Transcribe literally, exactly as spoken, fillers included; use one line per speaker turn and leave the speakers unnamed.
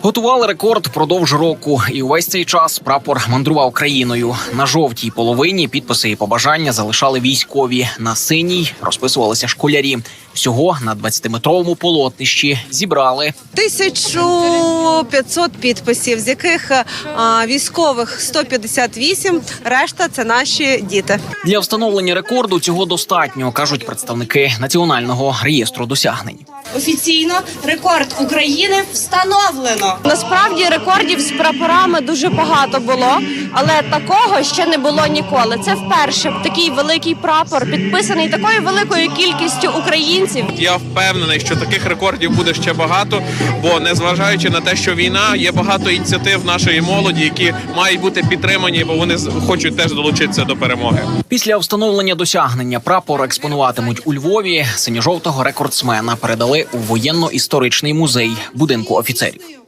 Готували рекорд впродовж року, і увесь цей час прапор мандрував країною. На жовтій половині підписи і побажання залишали військові. На синій розписувалися школярі. Всього на двадцятиметровому полотнищі зібрали
тисячу п'ятсот підписів, з яких а, військових сто п'ятдесят вісім, решта – це наші діти.
Для встановлення рекорду цього достатньо, кажуть представники Національного реєстру досягнень.
Офіційно рекорд України встановлено.
Насправді рекордів з прапорами дуже багато було, але такого ще не було ніколи. Це вперше такий великий прапор, підписаний такою великою кількістю українців.
Я впевнений, що таких рекордів буде ще багато, бо незважаючи на те, що війна, є багато ініціатив нашої молоді, які мають бути підтримані, бо вони хочуть теж долучитися до перемоги.
Після встановлення досягнення прапор експонуватимуть у Львові. Синьо-жовтого рекордсмена передали у воєнно-історичний музей будинку офіцерів.